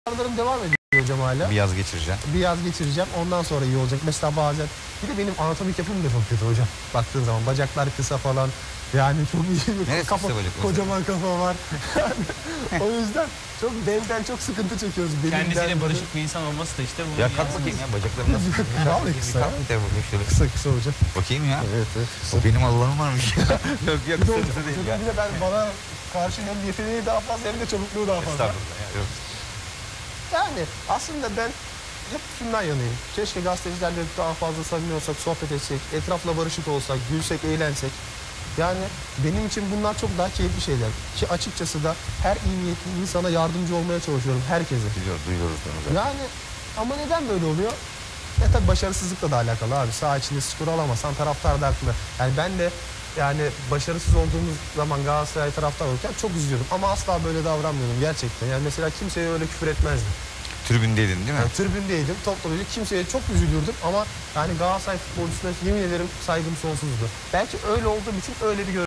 Aralarım devam ediyor hocam hala. Bir yaz geçireceğim. Bir yaz geçireceğim. Ondan sonra iyi olacak. Mesela bazen bir de benim anatomik yapım da çok kötü hocam. Baktığın zaman bacaklar kısa falan. Yani çok iyi bir kafa, kocaman kafa var. O yüzden çok benden çok sıkıntı çekiyoruz. Kendisiyle barışık bir insan olması da işte bu. Ya kalk bakayım ya, bacaklarım nasıl? Vallahi kısa ya. Kısa hocam. Bakayım ya. Evet. O benim Allah'ım varmış. Yok yok, kısa değil ya. Bir de bana karşı hem yeteneği daha fazla hem de çabukluğu daha fazla. Estağfurullah ya. Yok. Yani aslında ben hep şundan yanayım. Keşke gazetecilerle daha fazla samimi olsak, sohbet etsek, etrafla barışık olsak, gülsek, eğlensek. Yani benim için bunlar çok daha keyifli şeyler. Ki açıkçası da her iyi niyetli insana yardımcı olmaya çalışıyorum, herkese. Duyuyoruz bunu zaten. Yani ama neden böyle oluyor? Ya tabii başarısızlıkla da alakalı abi. Saha içinde skor alamazsan taraftar da haklı. Yani ben de yani başarısız olduğumuz zaman Galatasaray taraftar olurken çok üzülüyorum. Ama asla böyle davranmıyorum gerçekten. Yani mesela kimseye öyle küfür etmezdim. Tribündeydin değil mi? Yani tribündeydim, toplayıcı, kimseye çok üzülürdüm ama yani Galatasaray futbolcusuna yemin ederim saygım sonsuzdu. Belki öyle olduğum için öyle bir